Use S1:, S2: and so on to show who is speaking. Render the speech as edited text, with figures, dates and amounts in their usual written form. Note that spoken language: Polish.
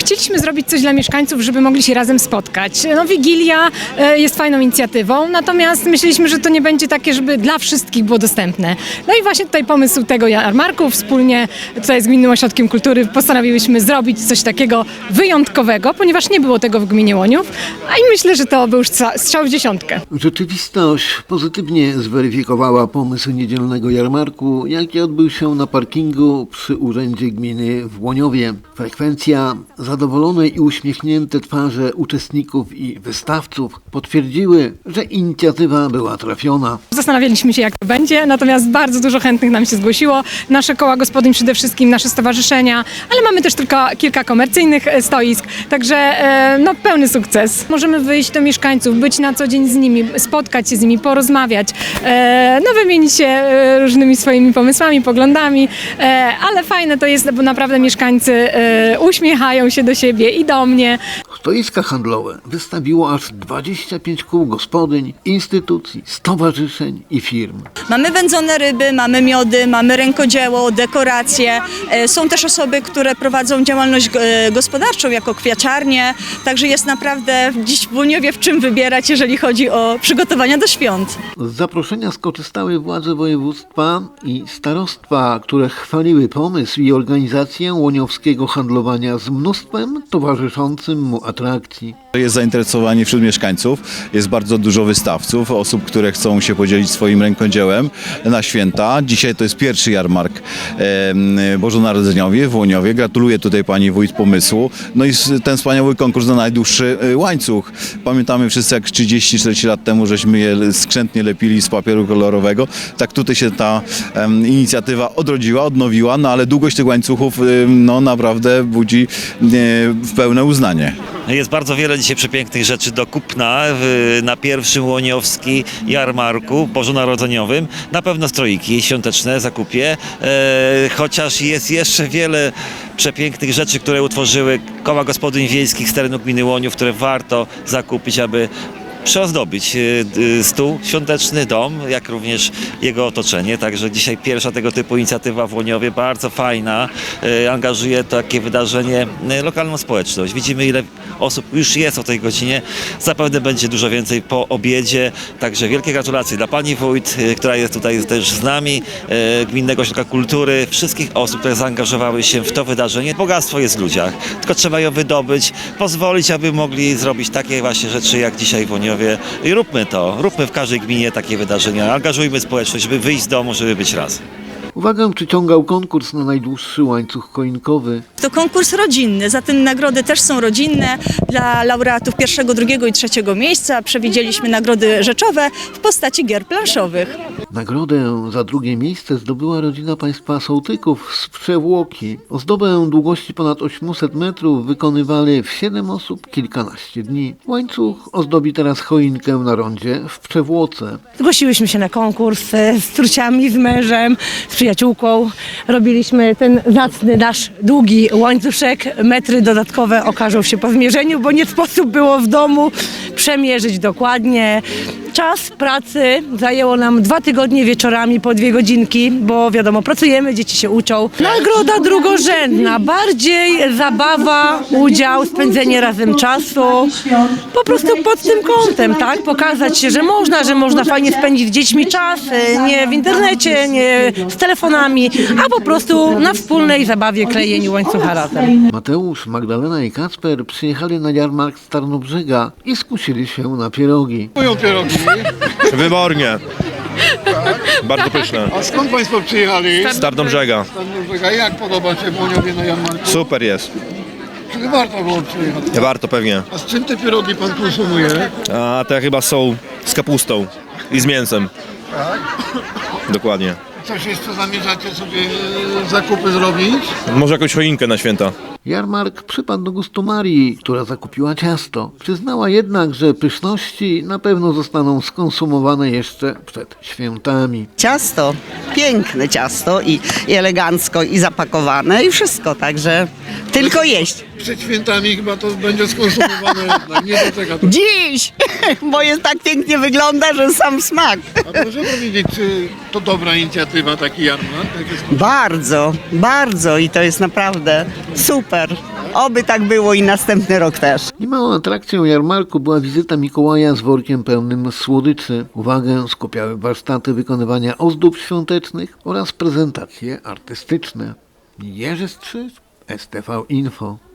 S1: chcieliśmy zrobić coś dla mieszkańców, żeby mogli się razem spotkać. No, Wigilia jest fajną inicjatywą, natomiast myśleliśmy, że to nie będzie takie, żeby dla wszystkich było dostępne. No i właśnie tutaj pomysł tego jarmarku, wspólnie tutaj z Gminnym Ośrodkiem Kultury postanowiłyśmy zrobić coś takiego wyjątkowego, ponieważ nie było tego w gminie Łoniów, a i myślę, że to był już strzał w dziesiątkę.
S2: Rzeczywistość pozytywnie zweryfikowała pomysł niedzielnego jarmarku, jaki odbył się na parkingu przy Urzędzie Gminy w Łoniowie. Frekwencja, zadowolone i uśmiechnięte twarze uczestników i wystawców potwierdziły, że inicjatywa była trafiona.
S1: Zastanawialiśmy się, jak to będzie, natomiast bardzo dużo chętnych nam się zgłosiło. Nasze koła gospodyń przede wszystkim, nasze stowarzyszenia, ale mamy też tylko kilka komercyjnych stoisk, także no, pełny sukces. Możemy wyjść do mieszkańców, być na co dzień z nimi, spotkać się z nimi, porozmawiać, no, wymienić się różnymi swoimi pomysłami, poglądami, ale fajne to jest, bo naprawdę mieszkańcy uśmiechają się do siebie i do mnie.
S2: Stoiska handlowe wystawiło aż 25 kół gospodyń, instytucji, stowarzyszeń i firm.
S3: Mamy wędzone ryby, mamy miody, mamy rękodzieło, dekoracje. Są też osoby, które prowadzą działalność gospodarczą jako kwiaciarnie, także jest naprawdę dziś w Łoniowie w czym wybierać, jeżeli chodzi o przygotowania do świąt.
S2: Z zaproszenia skorzystały władze województwa i starostwa, które chwaliły pomysł i organizację łoniowskiego handlowania z mnóstwem towarzyszącym mu atrakcji.
S4: Jest zainteresowanie wśród mieszkańców, jest bardzo dużo wystawców, osób, które chcą się podzielić swoim rękodziełem na święta. Dzisiaj to jest pierwszy jarmark bożonarodzeniowy w Łoniowie. Gratuluję tutaj pani wójt pomysłu. No i ten wspaniały konkurs na najdłuższy łańcuch. Pamiętamy wszyscy, jak 30-40 lat temu żeśmy je skrzętnie lepili z papieru kolorowego. Tak tutaj się ta inicjatywa odrodziła, odnowiła, no ale długość tych łańcuchów no naprawdę budzi pełne uznanie.
S5: Jest bardzo wiele dzisiaj przepięknych rzeczy do kupna na pierwszym łoniowskim jarmarku bożonarodzeniowym. Na pewno stroiki świąteczne zakupię, chociaż jest jeszcze wiele przepięknych rzeczy, które utworzyły koła gospodyń wiejskich z terenu gminy Łoniów, które warto zakupić, aby przyozdobić stół świąteczny, dom, jak również jego otoczenie. Także dzisiaj pierwsza tego typu inicjatywa w Łoniowie, bardzo fajna, angażuje takie wydarzenie lokalną społeczność. Widzimy, ile osób już jest o tej godzinie, zapewne będzie dużo więcej po obiedzie, także wielkie gratulacje dla pani wójt, która jest tutaj też z nami, Gminnego Ośrodka Kultury, wszystkich osób, które zaangażowały się w to wydarzenie. Bogactwo jest w ludziach, tylko trzeba ją wydobyć, pozwolić, aby mogli zrobić takie właśnie rzeczy jak dzisiaj w Łoniowie. I róbmy to, róbmy w każdej gminie takie wydarzenia, angażujmy społeczność, żeby wyjść z domu, żeby być raz.
S2: Uwagę przyciągał konkurs na najdłuższy łańcuch choinkowy.
S3: To konkurs rodzinny, zatem nagrody też są rodzinne. Dla laureatów pierwszego, drugiego i trzeciego miejsca przewidzieliśmy nagrody rzeczowe w postaci gier planszowych.
S2: Nagrodę za drugie miejsce zdobyła rodzina państwa Sołtyków z Przewłoki. Ozdobę długości ponad 800 metrów wykonywali w 7 osób kilkanaście dni. Łańcuch ozdobi teraz choinkę na rondzie w Przewłoce.
S6: Zgłosiłyśmy się na konkurs z córciami, z mężem, z przyjaciółką. Robiliśmy ten zacny nasz długi łańcuszek. Metry dodatkowe okażą się po zmierzeniu, bo nie sposób było w domu przemierzyć dokładnie. Czas pracy zajęło nam 2 tygodnie wieczorami po 2 godzinki, bo wiadomo, pracujemy, dzieci się uczą. Nagroda drugorzędna, bardziej zabawa, udział, spędzenie razem czasu. Po prostu pod tym kątem, tak? Pokazać się, że można fajnie spędzić z dziećmi czas, nie w internecie, nie z telefonami, a po prostu na wspólnej zabawie klejeniu łańcucha razem.
S2: Mateusz, Magdalena i Kacper przyjechali na jarmark z Tarnobrzega i skusili się na pierogi.
S7: Moją pierogi.
S8: Wybornie. Bardzo pyszne.
S7: A skąd Państwo przyjechali?
S8: Z Tarnobrzega.
S7: Jak podoba się w Łoniowie na jarmarku?
S8: Super jest.
S7: Czyli warto było przyjechać?
S8: Warto pewnie.
S7: A z czym te pierogi Pan konsumuje?
S8: A te chyba są z kapustą i z mięsem.
S7: Tak?
S8: Dokładnie.
S7: Coś jeszcze zamierzacie sobie zakupy zrobić?
S8: Może jakąś choinkę na święta.
S2: Jarmark przypadł do gustu Marii, która zakupiła ciasto. Przyznała jednak, że pyszności na pewno zostaną skonsumowane jeszcze przed świętami.
S9: Ciasto, piękne ciasto i elegancko i zapakowane i wszystko, także tylko jeść.
S7: przed świętami chyba to będzie skonsumowane jednak, nie doczeka to.
S9: Dziś, bo jest tak pięknie wygląda, że sam smak.
S7: A proszę powiedzieć, czy to dobra inicjatywa, taki jarmark?
S9: Bardzo, bardzo i to jest naprawdę super. Oby tak było i następny rok też.
S2: Niemałą atrakcją jarmarku była wizyta Mikołaja z workiem pełnym słodyczy. Uwagę skupiały warsztaty wykonywania ozdób świątecznych oraz prezentacje artystyczne. Jerzy Strzyż, STV Info.